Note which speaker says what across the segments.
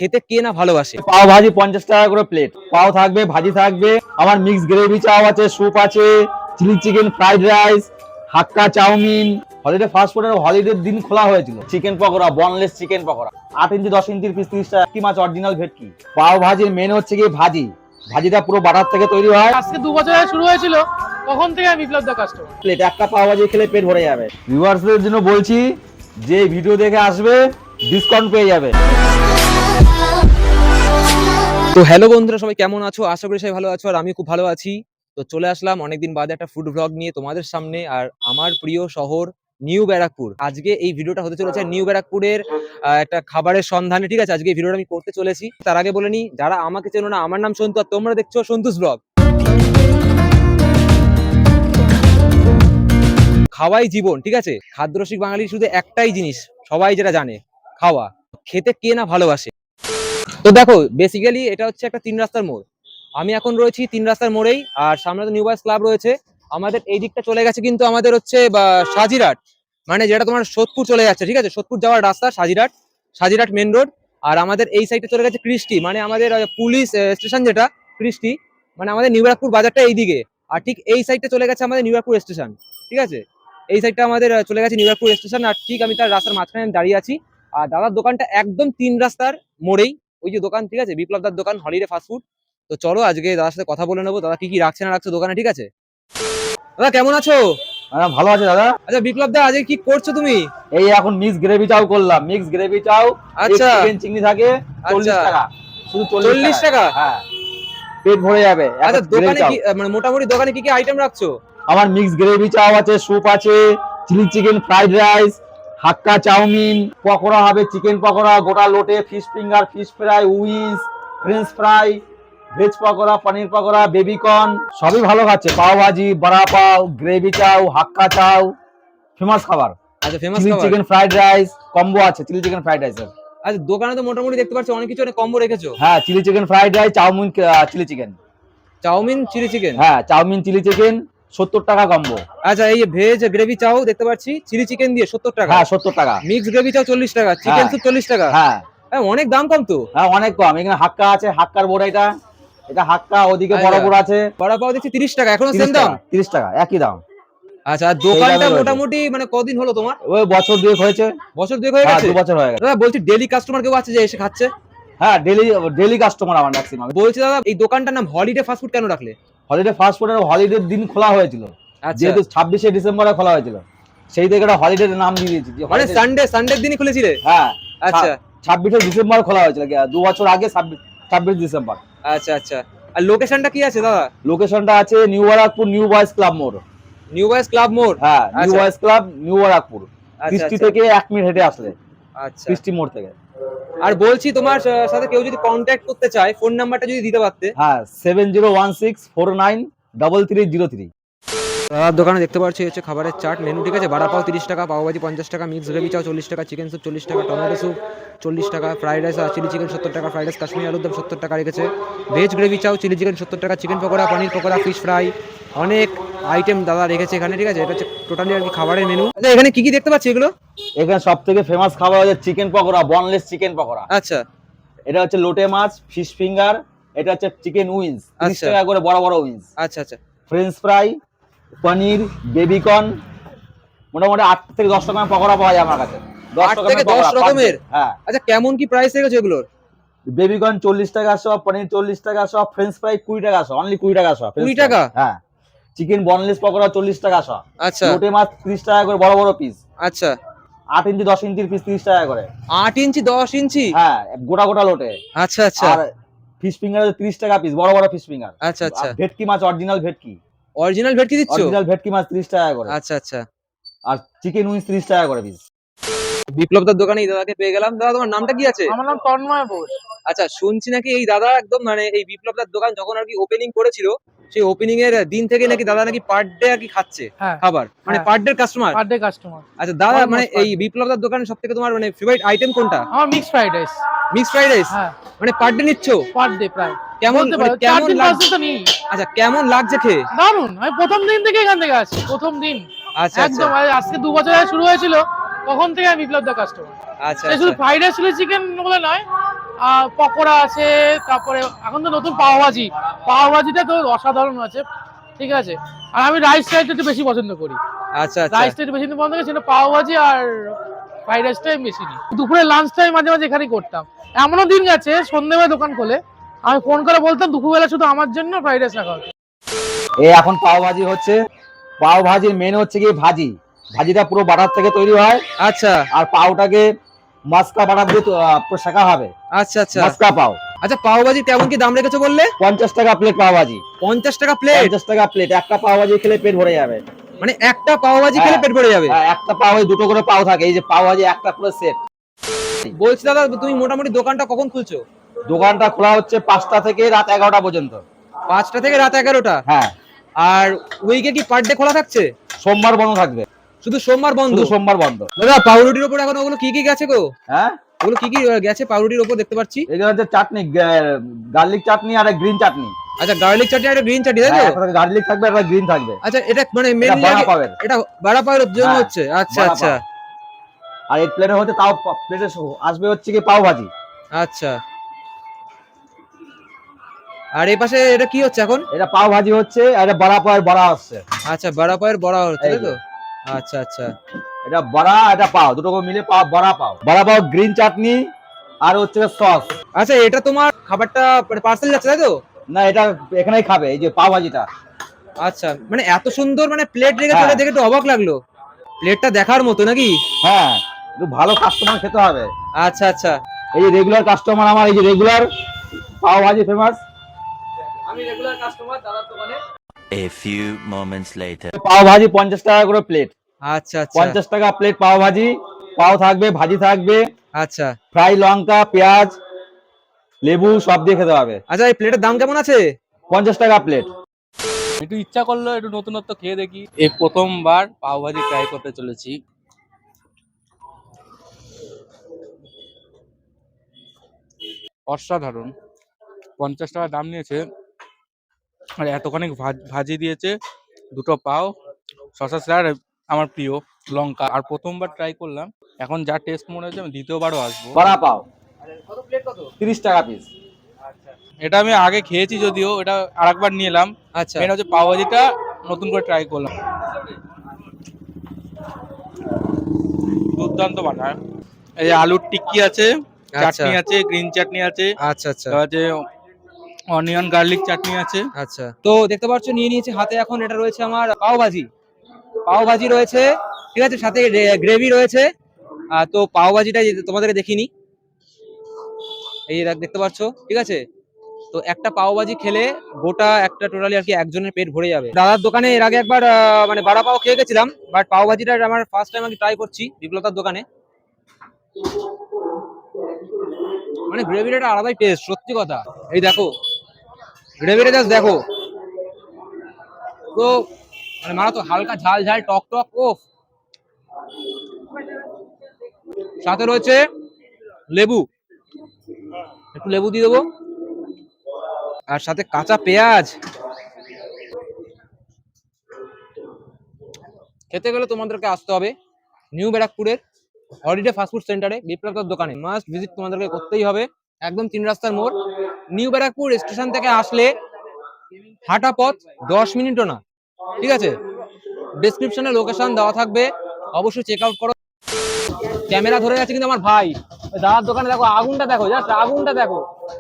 Speaker 1: খেতে কে না ভালোবাসে।
Speaker 2: পাও ভাজি 50 টাকা করে প্লেট, পাও থাকবে, ভাজি থাকবে, আমার মিক্স গ্রেভি চাও আছে, স্যুপ আছে, chilli chicken, fried rice, hakka chow mein. Holiday fast ফুডের হলিডের দিন খোলা হয়েছিল। Chicken pakora, boneless chicken pakora 8 inch 10 ইঞ্চির পিস 30 টাকা। কি মাছ অরিজিনাল ভেটকি। পাও ভাজির মেন হচ্ছে কি ভাজি, ভাজিটা পুরো বাটার থেকে তৈরি হয়।
Speaker 3: আজকে 2 বছর আগে শুরু হয়েছিল, তখন থেকে আমি বিপ্লব দা কাস্টমার।
Speaker 2: প্লেট একটা পাও ভাজি খেলে পেট ভরে যাবে। ভিউয়ার্সদের জন্য বলছি, যে ভিডিও দেখে আসবে ডিসকাউন্ট পেয়ে যাবে।
Speaker 1: তো হ্যালো বন্ধুরা, সবাই কেমন আছো? আশা করি সবাই ভালো আছো, আর আমি খুব ভালো আছি। তো চলে আসলাম অনেকদিন বাদে একটা ফুড ব্লগ নিয়ে তোমাদের সামনে, আর আমার প্রিয় শহর নিউ ব্যারাকপুর। আজকে এই ভিডিওটা হতে চলেছে নিউ ব্যারাকপুরের একটা খাবারের সন্ধানে। ঠিক আছে, আজকে এই ভিডিওটা আমি করতে চলেছি। তার আগে বলে নি, যারা আমাকে চেনো না, আমার নাম সন্তু আর তোমরা দেখছো সন্তুস ব্লগ। খাওয়াই জীবন, ঠিক আছে। খাদ্যরসিক বাঙালির শুধু একটাই জিনিস সবাই যেটা জানে, খাওয়া। খেতে কে না ভালোবাসে। তো দেখো, বেসিক্যালি এটা হচ্ছে একটা 3 রাস্তার মোড়। আমি এখন রয়েছি 3 রাস্তার মোড়েই, আর সামনে তো নিউ বয়েজ ক্লাব রয়েছে। আমাদের এই দিকটা চলে গেছে কিন্তু আমাদের হচ্ছে সাজিরহাট, মানে যেটা তোমার সোদপুর চলে যাচ্ছে। ঠিক আছে, সোদপুর যাওয়ার রাস্তা সাজিরহাট মেন রোড। আর আমাদের এই সাইডে চলে গেছে কৃষ্টি, মানে আমাদের পুলিশ স্টেশন যেটা কৃষ্টি, মানে আমাদের নিউ ব্যারাকপুর বাজারটা এইদিকে। আর ঠিক এই সাইডটা চলে গেছে আমাদের নিউ ব্যারাকপুর স্টেশন। ঠিক আছে, এই সাইডটা আমাদের চলে গেছে নিউ ব্যারাকপুর স্টেশন। আর ঠিক আমি তার রাস্তার মাঝখানে দাঁড়িয়ে আছি। আর দাদার দোকানটা একদম 3 রাস্তার মোড়েই, ওই যে দোকান, ঠিক আছে, বিপ্লব দার দোকান, হলিডে ফাস্টফুড। তো চলো আজকে দাদার সাথে কথা বলে নেবো, দাদা কি কি রাখছে না রাখছে দোকানে। ঠিক আছে দাদা, কেমন আছো?
Speaker 2: ভালো আছে দাদা।
Speaker 1: আচ্ছা বিপ্লব দা, আজকে কি করছো তুমি?
Speaker 2: এই এখন মিক্স গ্রেভি চাও করলাম। মিক্স গ্রেভি চাও,
Speaker 1: আচ্ছা,
Speaker 2: চিকেন চিংড়ি থাকে 40 টাকা, শুধু
Speaker 1: 40 টাকা।
Speaker 2: হ্যাঁ, পেট ভরে যাবে।
Speaker 1: আচ্ছা দোকানে কি মানে মোটামুটি দোকানে কি কি আইটেম রাখছো?
Speaker 2: আমার মিক্স গ্রেভি চাও আছে, স্যুপ আছে, chilli chicken, fried rice, hakka chow mein, pakora হবে, চিকেন পকোড়া, গোটা লোটে, fish finger, fish fry, wings, french fry, veg pakora, paneer pakora, baby corn, সবই ভালো খাচ্ছে। পাও ভাজি, বড়া পাও, গ্রেভি চাও, হাক্কা চাও, ফেমাস খাবার।
Speaker 1: আচ্ছা ফেমাস
Speaker 2: চিলি
Speaker 1: খাবার।
Speaker 2: চিকেন ফ্রাইড রাইস কম্বো আছে, চিলি চিকেন ফ্রাইড রাইসের।
Speaker 1: আচ্ছা দোকানে তো মোটামুটি দেখতে পাচ্ছি অনেক কিছু, অনেক কম্বো রেখেছো।
Speaker 2: হ্যাঁ, chilli chicken fried rice, chow mein, chilli chicken,
Speaker 1: chow mein chilli chicken.
Speaker 2: হ্যাঁ চাউমিন চিলি চিকেন 70 টাকা কম্বো।
Speaker 1: আচ্ছা এই ভেজ গ্রেভি চাও দেখতে পাচ্ছি, চিলি চিকেন দিয়ে 70 টাকা।
Speaker 2: হ্যাঁ 70 টাকা।
Speaker 1: মিক্স গ্রেভি চাও 40 টাকা, চিকেন স্যুপ 40 টাকা।
Speaker 2: হ্যাঁ
Speaker 1: হ্যাঁ, অনেক দাম কম তো।
Speaker 2: হ্যাঁ অনেক কম। এখানে হাক্কা আছে, হাক্কার বড়, এটা হাক্কা, ওদিকে বড় বড় আছে।
Speaker 1: বড়া পাও দেখছি 30 টাকা, এখনো সেম দাম।
Speaker 2: 30 টাকা একই দাম।
Speaker 1: আচ্ছা, আর দোকানটা মোটামুটি মানে কদিন হলো তোমার?
Speaker 2: ওই বছর দুয়েক হয়েছে।
Speaker 1: বছর দুয়েক হয়ে গেছে?
Speaker 2: 2 বছর হয়ে গেছে।
Speaker 1: দাদা বলছি, ডেইলি কাস্টমার কেউ আছে যে এসে খাচ্ছে?
Speaker 2: হ্যাঁ ডেইলি কাস্টমার আমার ম্যাক্সিমাম।
Speaker 1: বলছি দাদা, এই দোকানটার নাম হলিডে ফাস্টফুড কেন রাখলে?
Speaker 2: হলিডে ফাস্ট ফুডের হলিডের দিন খোলা হয়েছিল, যেহেতু 26শে ডিসেম্বরে খোলা হয়েছিল, সেই থেকে এটা হলিডে নাম দিয়ে দিয়েছি।
Speaker 1: মানে সানডের দিনই খুলেছিলে?
Speaker 2: হ্যাঁ
Speaker 1: আচ্ছা,
Speaker 2: 26শে ডিসেম্বর খোলা হয়েছিল, 2 বছর আগে 26 ডিসেম্বর।
Speaker 1: আচ্ছা আচ্ছা। আর লোকেশনটা কি আছে দাদা?
Speaker 2: লোকেশনটা আছে new Barrackpore, new boys club মোড়।
Speaker 1: নিউ বয়েজ ক্লাব মোড়?
Speaker 2: হ্যাঁ, new boys club, new Barrackpore. কৃষ্টি
Speaker 1: আচ্ছা
Speaker 2: থেকে 1 মিনিট হেঁটে আসলে
Speaker 1: আচ্ছা।
Speaker 2: কৃষ্টি মোড় থেকে।
Speaker 1: আর বলছি, তোমার সাথে কেউ যদি কন্ট্যাক্ট করতে চায়, ফোন নাম্বারটা যদি দিতে পারতে।
Speaker 2: হ্যাঁ 7016493303।
Speaker 1: দাদার দোকানে দেখতে পাচ্ছি হচ্ছে খাবারের চাট মেনু। ঠিক আছে, বড়া পাও 30 টাকা, পাও ভাজি 50 টাকা, মিক্স গ্রেভি চাও 40 টাকা, চিকেন স্যুপ 40 টাকা, টমেটো স্যুপ 40 টাকা, ফ্রাইড রাইস আর চিলি চিকেন 70 টাকা, ফ্রাইড রাইস কাশ্মীরি আলুর দম 70 টাকা রেখেছে, veg gravy chow, chilli chicken 70 টাকা, chicken pakora, paneer pakora, fish fry, অনেক আইটেম দাদা রেখেছে এখানে। ঠিক আছে, এটা হচ্ছে টোটালি আর কি খাবারের মেনু। আচ্ছা এখানে কি কি দেখতে পাচ্ছি এগুলো?
Speaker 2: এখানে সব থেকে ফেমাস খাবার হচ্ছে chicken pakora, boneless chicken pakora.
Speaker 1: আচ্ছা,
Speaker 2: এটা হচ্ছে লোটে মাছ, ফিশ ফিঙ্গার, এটা হচ্ছে চিকেন উইংস 30 টাকা করে, বড় বড় উইংস।
Speaker 1: আচ্ছা আচ্ছা।
Speaker 2: ফ্রেঞ্চ ফ্রাই, পনির, বেবিকর্ন, মোটামুটি 8 থেকে 10 রকমের পকোড়া পাওয়া যায় আমার কাছে।
Speaker 1: 8 থেকে 10 রকমের?
Speaker 2: হ্যাঁ।
Speaker 1: আচ্ছা কেমন কি প্রাইস রেখেছো এগুলোর?
Speaker 2: বেবিকর্ন 40 টাকা সব, পনির 40 টাকা সব, ফ্রেঞ্চ ফ্রাই 20 টাকা সব, অনলি 20 টাকা সব।
Speaker 1: 20 টাকা?
Speaker 2: হ্যাঁ। চিকেন বনলেস পকোড়া 40 টাকা সব।
Speaker 1: আচ্ছা।
Speaker 2: লোটে মাছ 30 টাকা করে, বড় বড় পিস।
Speaker 1: আচ্ছা,
Speaker 2: 8 ইঞ্চি 10 ইঞ্চির পিস 30 টাকা করে।
Speaker 1: 8 ইঞ্চি 10 ইঞ্চি?
Speaker 2: হ্যাঁ, গোটা গোটা লোটে।
Speaker 1: আচ্ছা আচ্ছা।
Speaker 2: আর ফিশ ফিঙ্গার 30 টাকা পিস, বড় বড় ফিশ ফিঙ্গার।
Speaker 1: আচ্ছা আচ্ছা।
Speaker 2: ভেটকি মাছ, অরিজিনাল ভেটকি।
Speaker 1: অরিজিনাল ভেটকি দিচ্ছ?
Speaker 2: অরিজিনাল ভেটকি মাছ 30 টাকা করে।
Speaker 1: আচ্ছা আচ্ছা।
Speaker 2: আর চিকেন উইংস 30 টাকা করে পিস।
Speaker 1: বিপ্লব দার দোকানে এই দাদাকে পেয়ে গেলাম। দাদা তোমার নামটা কি আছে?
Speaker 3: আমার নাম তন্ময় বোস।
Speaker 1: আচ্ছা, শুনছি নাকি এই দাদা একদম মানে এই বিপ্লব দার দোকান যখন আর কি ওপেনিং করেছিল, সেই ওপেনিং এর দিন থেকে নাকি দাদা নাকি পার ডে আর কি খাচ্ছে খাবার, মানে per day customer.
Speaker 3: Per day customer.
Speaker 1: আচ্ছা দাদা, মানে এই বিপ্লব দার দোকানে সবথেকে তোমার মানে ফেভারিট আইটেম কোনটা?
Speaker 3: আমার mix fried rice.
Speaker 1: Mix fried rice?
Speaker 3: হ্যাঁ।
Speaker 1: মানে পার ডে নিচ্ছো?
Speaker 3: পার ডে প্রায়।
Speaker 1: কেমন কেমন লাগছে?
Speaker 3: তো নেই।
Speaker 1: আচ্ছা কেমন লাগছে খেয়ে?
Speaker 3: দারুন, আমি প্রথম দিন থেকে এখান থেকে আসছি, প্রথম দিন।
Speaker 1: আচ্ছা
Speaker 3: একদম আজকে 2 বছর আগে শুরু হয়েছিল, তখন থেকে আমি বিপ্লব দা কাস্টমার।
Speaker 1: আচ্ছা
Speaker 3: শুধু ফ্রাইড রাইস চিলি চিকেন বলে নয়, আর পকোড়া আছে, তারপরে এখন তো নতুন পাওভাজিটা তো অসাধারণ আছে, ঠিক আছে। আর আমি রাইস টাইপটা একটু বেশি পছন্দ করি,
Speaker 1: আচ্ছা আচ্ছা
Speaker 3: রাইসটা একটু বেশি পছন্দ করি, সেটা পাওভাজি আর ফ্রাইড রাইসটাই বেশি নিই। দুপুরে লাঞ্চ টাইম মাঝে মাঝে এখানেই করতাম। এমনও দিন গেছে সন্ধ্যেবেলা দোকান খোলে, আমি ফোন করে বলতাম দুপুরবেলা শুধু আমার জন্য ফ্রাইড রাইস রাখা হচ্ছে।
Speaker 2: এই এখন পাও ভাজি হচ্ছে। পাও ভাজির মেন হচ্ছে কি ভাজি, ভাজিটা পুরো বাটার থেকে তৈরি হয়।
Speaker 1: আচ্ছা
Speaker 2: আর পাওটাকে মাস্কা বাটার দিয়ে পুরো শেখা হবে,
Speaker 1: আচ্ছা আচ্ছা
Speaker 2: মাস্কা পাও।
Speaker 1: আচ্ছা, পাওভাজি কেমন কি দাম রেখেছো বললে?
Speaker 2: 50 টাকা প্লেট পাও ভাজি।
Speaker 1: 50 টাকা প্লেট?
Speaker 2: 50 টাকা প্লেট, একটা পাও ভাজি খেলে পেট ভরে যাবে।
Speaker 1: মানে একটা পাওভাজি খেলে
Speaker 2: হ্যাঁ।
Speaker 1: পেট ভরে যাবে?
Speaker 2: হ্যাঁ, একটা পাও দুটো করে পাও থাকে, এই যে পাও ভাজি একটা পুরো সেট।
Speaker 1: বলছি দাদা, তুমি মোটামুটি দোকানটা কখন খুলছো?
Speaker 2: দোকানটা খোলা হচ্ছে 5টা থেকে রাত 11টা পর্যন্ত।
Speaker 1: 5টা থেকে রাত 11টা?
Speaker 2: হ্যাঁ।
Speaker 1: আর উইকে কি পার ডে খোলা থাকছে?
Speaker 2: সোমবার বন্ধ থাকবে,
Speaker 1: শুধু সোমবার বন্ধ?
Speaker 2: শুধু সোমবার বন্ধ।
Speaker 1: দাদা পাউরুটির উপর এখন ওগুলো কি কি গেছে গো?
Speaker 2: হ্যাঁ,
Speaker 1: ওগুলো কি কি গেছে পাউরুটির উপর দেখতে পাচ্ছি?
Speaker 2: এগুলো হচ্ছে চাটনি, গার্লিক চাটনি আর গ্রিন চাটনি।
Speaker 1: আচ্ছা, গার্লিক চাটনি আর গ্রিন চাটনি, তাই তো?
Speaker 2: একটা গার্লিক থাকবে আর গ্রিন থাকবে।
Speaker 1: আচ্ছা, এটা মানে
Speaker 2: এটা
Speaker 1: মেনলি
Speaker 2: বড়া পাবের।
Speaker 1: এটা বড়া পাওয়ার জন্য
Speaker 2: হ্যাঁ,
Speaker 1: হচ্ছে? আচ্ছা
Speaker 2: বড়া
Speaker 1: আচ্ছা
Speaker 2: পাও। আর এই প্লেটে হচ্ছে তাও প্লেটে আসবে হচ্ছে কি পাও ভাজি।
Speaker 1: আচ্ছা। আর এই পাশে এটা কি হচ্ছে এখন?
Speaker 2: এটা পাও ভাজি হচ্ছে, আর এটা বড়া পাওয়ের বড়া আসছে।
Speaker 1: আচ্ছা, বড়া পাওয়ের বড়া হচ্ছে,
Speaker 2: এই
Speaker 1: তাই তো?
Speaker 2: যে।
Speaker 1: আচ্ছা আচ্ছা
Speaker 2: এটা বড়া, এটা পাও, দুটো করে মিলে পাও, বড়া পাও। বড়া পাও, গ্রিন চাটনি আর হচ্ছে সস।
Speaker 1: আচ্ছা, এটা তোমার খাবারটা পার্সেল যাচ্ছে, তাই তো?
Speaker 2: না, এটা এখানেই খাবে, এই যে পাও ভাজিটা।
Speaker 1: আচ্ছা, মানে এত সুন্দর মানে প্লেট রেখেছে,
Speaker 2: হ্যাঁ।
Speaker 1: ওটা দেখে একটু অবাক লাগলো। প্লেটটা দেখার মতো নাকি?
Speaker 2: হ্যাঁ, একটু ভালো কাস্টমার খেতে হবে।
Speaker 1: আচ্ছা আচ্ছা।
Speaker 2: এই যে রেগুলার কাস্টমার আমার, এই যে রেগুলার পাও ভাজি ফেমাস।
Speaker 1: আমি রেগুলার কাস্টমার দাদার দোকানে।
Speaker 4: A few moments later.
Speaker 2: পাও ভাজি 50 টাকা করে প্লেট।
Speaker 1: আচ্ছা আচ্ছা
Speaker 2: 50 টাকা প্লেট পাও ভাজি। পাও থাকবে, ভাজি থাকবে,
Speaker 1: আচ্ছা
Speaker 2: ফ্রাই লঙ্কা, পেঁয়াজ, লেবু সব দিয়ে খেতে হবে।
Speaker 1: আচ্ছা। এই প্লেটের দাম কেমন আছে?
Speaker 2: 50 টাকা প্লেট।
Speaker 5: একটু ইচ্ছা করলো একটু নতুনত্ব খেয়ে দেখি। এই প্রথমবার পাওভাজি ট্রাই করতে চলেছি। অসাধারণ। 50 টাকা দাম নিয়েছে আর এতখানি ভাজি দিয়েছে, দুটো পাও, শসা স্যার আমার প্রিয়, লঙ্কা। আর প্রথমবার ট্রাই করলাম, এখন যা টেস্ট মনে হচ্ছে আমি দ্বিতীয়বারও আসবো।
Speaker 2: বড়া পাও
Speaker 1: কত প্লেট কত?
Speaker 2: 30 টাকা পিস।
Speaker 5: এটা আমি আগে খেয়েছি যদিও, এটা আরেকবার নিয়ে এলাম।
Speaker 1: আচ্ছা
Speaker 5: মেন হচ্ছে পাওভাজিটা নতুন করে ট্রাই করলাম, দুর্দান্ত বানায়। এই যে আলুর টিক্কি আছে, চাটনি আছে, গ্রিন চাটনি আছে,
Speaker 1: আচ্ছা আচ্ছা
Speaker 5: আছে অনিয়ন গার্লিক চাটনি আছে।
Speaker 1: আচ্ছা। তো দেখতে পাচ্ছ নিয়ে নিয়েছি হাতে, এখন এটা রয়েছে আমার পাও ভাজি। পাও ভাজি রয়েছে, ঠিক আছে, সাথে গ্রেভি রয়েছে। তো পাও ভাজিটা তোমাদেরকে দেখিনি, এই যে দেখতে পাচ্ছ, ঠিক আছে। তো একটা পাও ভাজি খেলে গোটা একটা টোটালি আর কি একজনের পেট ভরে যাবে। দাদার দোকানে এর আগে একবার মানে বড়া পাও খেয়ে গেছিলাম, বাট পাও ভাজিটা আমার ফার্স্ট টাইম আমি ট্রাই করছি বিপ্লতার দোকানে। মানে গ্রেভির একটা আলাদাই টেস্ট, সত্যি কথা। এই দেখো গ্রেভিটা, জাস্ট দেখো তো, মানে মারা তো হালকা ঝাল ঝাল টক টক। ও সাথে রয়েছে লেবু, একটু লেবু দিয়ে দেবো, আর সাথে কাঁচা পেঁয়াজ। খেতে গেলে তোমাদেরকে আসতে হবে নিউ ব্যারাকপুরের হলিডে ফাস্টফুড সেন্টারে, বিপ্লবদার দোকানে মাস্ট ভিজিট তোমাদেরকে করতেই হবে। একদম 3 রাস্তার মোড়, নিউ ব্যারাকপুর স্টেশন থেকে আসলে হাঁটা পথ 10 মিনিটও না, ঠিক আছে। ডেসক্রিপশনে লোকেশন দেওয়া থাকবে, অবশ্যই চেক আউট করো। ক্যামেরা ধরে যাচ্ছে কিন্তু আমার ভাই। ওই দাদার দোকানে দেখো আগুনটা, দেখো জাস্ট আগুনটা দেখো।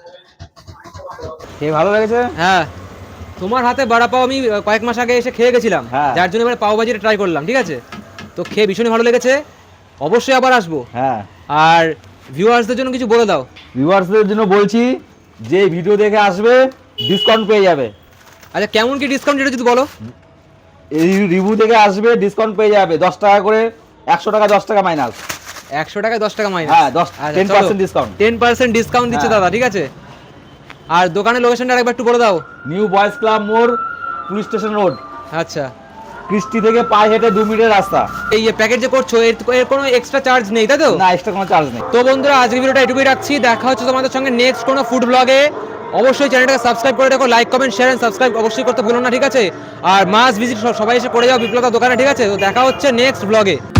Speaker 2: খেয়ে ভালো লেগেছে?
Speaker 1: হ্যাঁ, তোমার হাতে বড়া পাও আমি কয়েক মাস আগে এসে খেয়ে গেছিলাম,
Speaker 2: হ্যাঁ।
Speaker 1: যার জন্য এবারে পাও ভাজিটা ট্রাই করলাম, ঠিক আছে। তো খেয়ে ভীষণই ভালো লেগেছে, অবশ্যই আবার আসবো।
Speaker 2: হ্যাঁ।
Speaker 1: আর ভিউয়ার্সদের জন্য কিছু বলে দাও।
Speaker 2: ভিউয়ার্সদের জন্য বলছি, যে ভিডিও দেখে আসবে ডিসকাউন্ট পেয়ে যাবে।
Speaker 1: আচ্ছা, কেমন কি ডিসকাউন্ট এটা যদি বলো।
Speaker 2: এই রিভিউ থেকে আসবে ডিসকাউন্ট পেয়ে যাবে 10 টাকা করে, 100 টাকা 10 টাকা মাইনাস।
Speaker 1: 100 টাকায় 10 টাকা মাইনাস?
Speaker 2: হ্যাঁ, 10% ডিসকাউন্ট।
Speaker 1: 10% ডিসকাউন্ট দিচ্ছে
Speaker 2: হ্যাঁ।
Speaker 1: দাদা, ঠিক আছে। আর দোকানের লোকেশনটা আরেকবার একটু বলে দাও।
Speaker 2: নিউ বয়েজ ক্লাব মোড়, পুলিশ স্টেশন রোড,
Speaker 1: আচ্ছা।
Speaker 2: কৃষ্টি থেকে পায়ে হেঁটে 2 মিনিটের রাস্তা।
Speaker 1: এই প্যাকেজ যে করছো এর কোনো এক্সট্রা চার্জ নেই, তাই তো?
Speaker 2: না, এক্সট্রা কোনো চার্জ নেই।
Speaker 1: তো বন্ধুরা, আজকের ভিডিওটা এটুকুই রাখছি, দেখা হচ্ছে তোমাদের সঙ্গে নেক্সট কোনো ফুড ব্লগে। অবশ্যই চ্যানেলটাকে সাবস্ক্রাইব করে রাখো, like comment share and subscribe অবশ্যই করতে ভুলো না, ঠিক আছে। আর মাস্ট ভিজিট সবাই এসে করে যাও বিপ্লতার দোকানে, ঠিক আছে। তো দেখা হচ্ছে নেক্সট ব্লগে।